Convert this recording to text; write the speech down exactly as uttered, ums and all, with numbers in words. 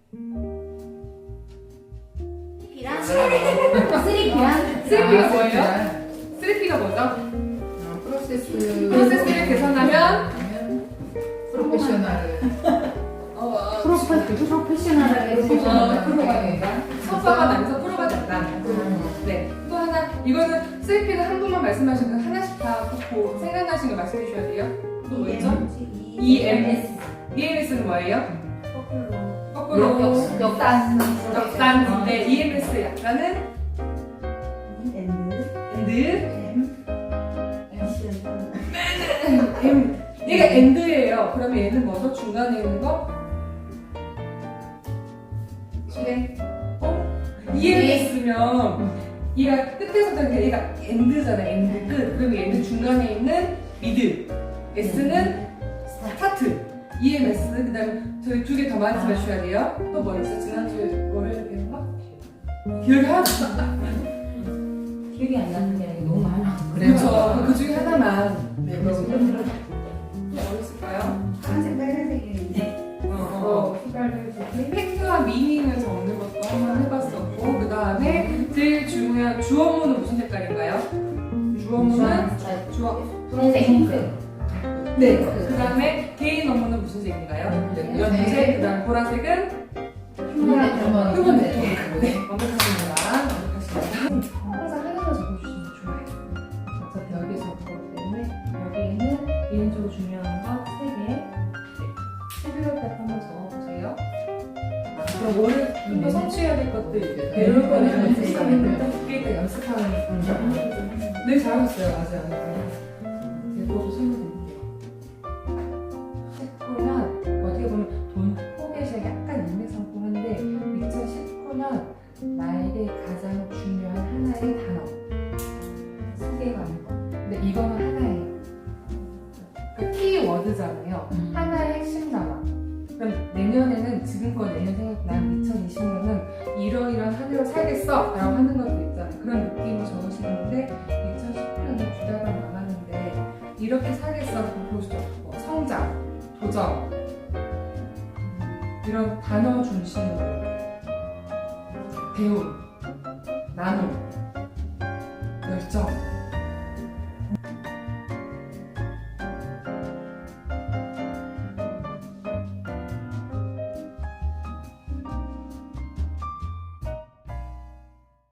P랑 쓰리피랑 쓰리피가 뭐예요? 쓰리피가 뭐죠? 프로세스 프로세스를 계산하면 프로페셔널 어, 프로페 프로페셔널하게 어, 프로가 네. 된다. 서서가 나면서 프로가 된다. 네. 또 하나, 이거는 쓰리피는 한 분만 말씀하신 거 하나씩 다 듣고 생각나신 거 말씀해 주셔야 돼요. 또 뭐였죠? 이엠에스. 이엠에스는 뭐예요? 거꾸로. 역- 역단 역단. 네, 이엠에스 약간은 엔드. M. 얘가 엔드예요. 그러면 얘는 뭐죠? 중간에 있는 거? 실행. 어? 이엠에스면 얘가 끝에서 되는 게 얘가 엔드잖아. 엔드 끝. 그러면 얘는 중간에 있는 미드. S는 스타트. 이엠에스. 그 다음에 저희 두 개 더 말씀해 주셔야 돼요. 또 뭐 있어? 지난주에 월요일에 배운 거? 기억이 하나도 안 나. 기억이 안 나는 게 너무 많아. 그렇죠. 그 중에 하나만. 네, 그래서 그럼 뭐 있을까요? 파란색 빨간색이었는데 어, 어. 팩트와 미닝을 적는 것도 한번 해봤었고, 그 다음에 제일 중요한 주어문은 무슨 색깔인가요? 주어문은 주어. 분홍색 네. 그 다음에 개인 업무는 무슨 색인가요? 연색. 그 다음 보라색은 휴먼 휴먼 휴먼 네트워크. 네. 완벽하십니다. 완벽하십니다. 항상 하나만 적어주시면 좋아요. 어차피 여기서 그거기 때문에 여기에는 개인적으로 중요한 거 세 개. 십일월 때 한번 적어보세요. 그럼 오늘 좀 더 성취해야 될 것들 배울 거는 연습하는 게 연습하는 네, 잘하셨어요. 아직 안 했어요. 그것도 설명드릴게요. 십구 년 어떻게 보면 돈 포켓이 약간 인맥상품한데 이천십구 년 나에게 가장 중요한 하나의 단어 세 개가 아니고 근데 이거는 하나예요. 그 키워드잖아요. 음. 하나의 핵심 단어. 그럼 내년에는 지금껏 내년 생각난 이천이십 년은 이러이러한 한 해로 살겠어 라고 하는 것도 있잖아요. 그런 느낌으로 적으시는데 이천십구 년이 두 달만 남았는데 이렇게 살겠어 보시죠. 뭐 성장, 도전 이런 단어 중심으로 배움, 나눔, 열정